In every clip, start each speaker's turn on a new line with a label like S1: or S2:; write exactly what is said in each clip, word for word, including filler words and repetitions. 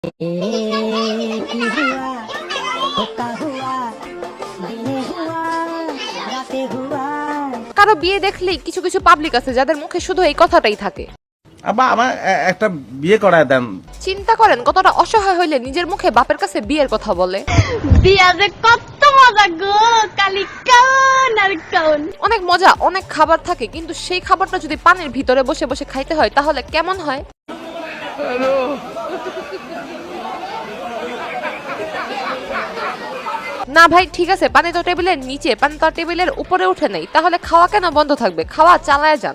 S1: কারো বিয়ে দেখলেই কিছু কিছু পাবলিক আছে যাদের মুখে শুধু এই কথাটাই থাকে,
S2: আব্বা আমার একটা বিয়ে করায় দেন।
S1: চিন্তা করেন কতটা অসহায় হইলে নিজের মুখে বাপের কাছে বিয়ের কথা বলে।
S3: বিয়া যে কত মজা গো, কালি কান আর কান।
S1: অনেক মজা, অনেক খাবার থাকে, কিন্তু সেই খাবারটা যদি পানির ভিতরে বসে বসে খাইতে হয় তাহলে কেমন হয়? না ভাই ঠিক আছে, পানি তো টেবিলের নিচে, পানি তো টেবিলের উপরে উঠে নেই, তাহলে খাওয়া কেন বন্ধ থাকবে? খাওয়া চালায় যান।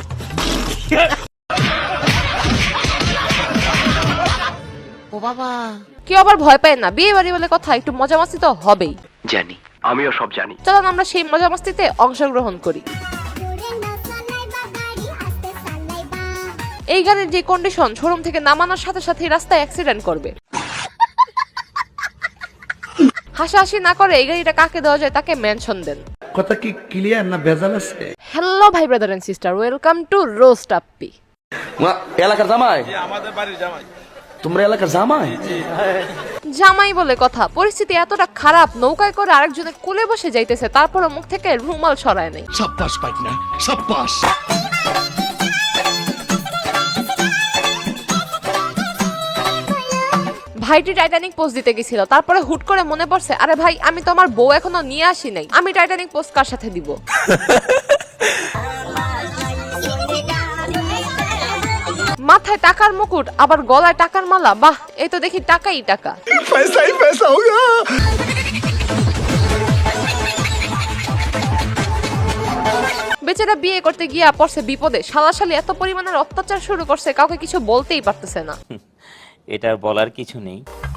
S4: ও বাবা,
S1: কেউ আবার ভয় পায় না, বিয়ে বাড়ি বলে কথা, একটু মজা মাস্তি তো হবেই।
S5: জানি, আমিও সব জানি।
S1: চলুন আমরা সেই মজা মাস্তিতে অংশগ্রহণ করি। এই গাড়ির যে কন্ডিশন, শোরুম থেকে নামানোর সাথে সাথে রাস্তায় অ্যাক্সিডেন্ট করবে। হাসাহাসি না করে এই গাড়িটা কাকে দেওয়া যায় তাকে মেনশন দেন।
S6: কথা কি ক্লিয়ার না ভেজাল আছে?
S1: হ্যালো ভাই brother and sister, welcome to roast Appi.
S6: এলাকার জামাই? আমাদের বাড়ির জামাই। তোমরা এলাকার জামাই?
S1: জামাই বলে কথা, পরিস্থিতি এতটা খারাপ, নৌকায় করে আরেকজনের কোলে বসে যাইতেছে, তারপরে মুখ থেকে রুমাল সরায় নাই।
S6: সাব্বাস পাইকনা, সাব্বাস।
S1: ভাইটি টাইটানিক পোস্ট দিতে গেছিল, তারপরে হুট করে মনে পড়ছে, আরে ভাই আমি তো আমার বউ এখনো নিয়ে আসি নাই, আমি টাইটানিক পোস্ট কার সাথে দিব? মাথায় টাকার মুকুট, আবার গলায় টাকার মালা, বাহ এই তো দেখি টাকাই টাকা।
S6: পয়সাই পয়সা হোগা।
S1: বেচারা বিয়ে করতে গিয়া পড়ছে বিপদে, শালাশালি এত পরিমাণের অত্যাচার শুরু করছে, কাউকে কিছু বলতেই পারতেছে না।
S4: এটা বলার কিছু নেই।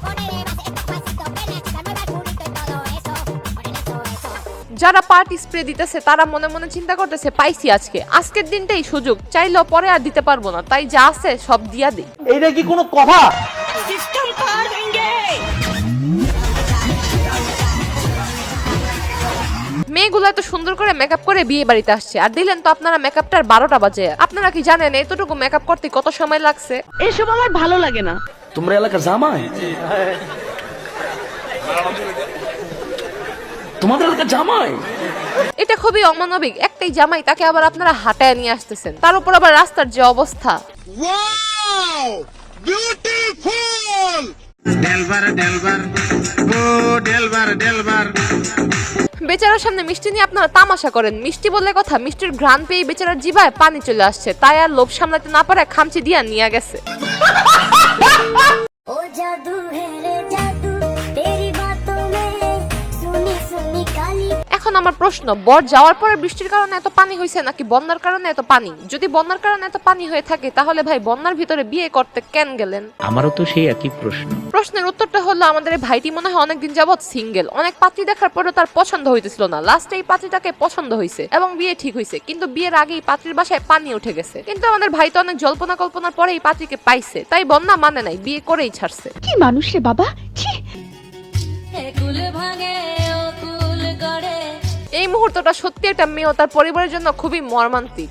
S1: যারা পার্টি স্প্রে দিতেছে তারা মনে মনে চিন্তা করতেছে, পাইছি আজকে, আজকের দিনটাই সুযোগ, চাইলেও পরে আর দিতে পারবো না, তাই যা আছে সব দিয়া দেই।
S6: এইটা কি কোনো কথা?
S1: মেয়েগুলো এত সুন্দর করে মেকআপ করে বিয়ে বাড়িতে আসছে, আর দিলেন তো আপনারা মেকআপটার বারোটা বাজে। আপনারা কি জানেন এতটুকু মেকআপ করতে কত সময় লাগছে?
S3: এসব আমার ভালো লাগে না।
S6: তোমরা এলাকার জামাই? তোমাদের এলাকার জামাই?
S1: এটা খুবই অমানবিক, একটাই জামাই, তাকে আবার আপনারা হাঁটায় নিয়ে আসতেছেন, তার উপর আবার রাস্তার যে অবস্থা।
S7: Wow beautiful! ডেলবার ডেলবার ও ডেলবার ডেলবার।
S1: বেচারার সামনে মিষ্টি নিয়ে আপনারা তামাশা করেন, মিষ্টি বললে কথা, মিষ্টির ঘ্রাণ পেয়ে বেচারার জিভায় পানি চলে আসছে, তাই আর লোভ সামলাতে না পারে খামচি দিয়া নিয়ে গেছে।
S8: ও জাদু হে রে জাদু তেরি বাতোं में सुनी सुनी काली।
S1: এখন আমার প্রশ্ন, বর যাওয়ার পরে বৃষ্টির কারণে এত পানি হয়েছে নাকি বন্যার কারণে এত পানি? যদি বন্যার কারণে এত পানি হয়ে থাকে তাহলে ভাই বন্যার ভিতরে বিয়ে করতে কেন গেলেন?
S4: আমারও তো সেই একই প্রশ্ন।
S1: প্রশ্নের উত্তরটা হলো, আমাদের এই ভাইটি মনে হয় অনেকদিন যাবৎ সিঙ্গেল, অনেক পাত্রী দেখার পরেও তার পছন্দ হইতেছিল না, লাস্টে এই পাত্রীটাকে পছন্দ হয়েছে এবং বিয়ে ঠিক হয়েছে, কিন্তু বিয়ের আগেই পাত্রীর বাসায় পানি উঠে গেছে। কিন্তু আমাদের ভাই তো অনেক জল্পনা কল্পনার পরে এই পাত্রীকে পাইছে, তাই বন্যা মানে নাই, বিয়ে করেই ছাড়ছে।
S3: কি মানুষ রে বাবা, ছি।
S1: এই মুহূর্তটা সত্যি একটা মেয়ে ও তার পরিবারের জন্য খুবই মর্মান্তিক।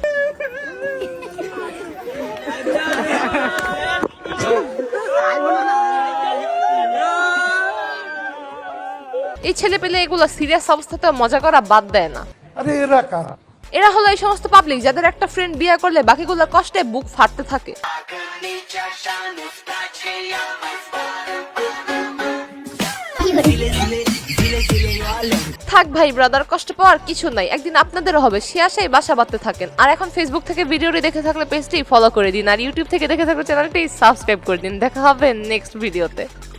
S1: এই ছেলে পেলে এগুলো সিরিয়াস অবস্থাতে মজা করা বাদ দেয় না।
S6: আরে এরা কারা?
S1: এরা হলো এই সমস্ত পাবলিক যাদের একটা ফ্রেন্ড বিয়ে করলে বাকিগুলোর কষ্টে বুক ফাটতে থাকে। থাক ভাই ব্রাদার, কষ্ট পাওয়ার কিছু নাই, একদিন আপনাদেরও হবে, সে আশায় বাসা বাঁধতে থাকেন। আর এখন ফেসবুক থেকে ভিডিওটি দেখে থাকলে পেজটি ফলো করে দিন, আর ইউটিউব থেকে দেখে থাকলে চ্যানেলটি সাবস্ক্রাইব করে দিন। দেখা হবে নেক্সট ভিডিওতে।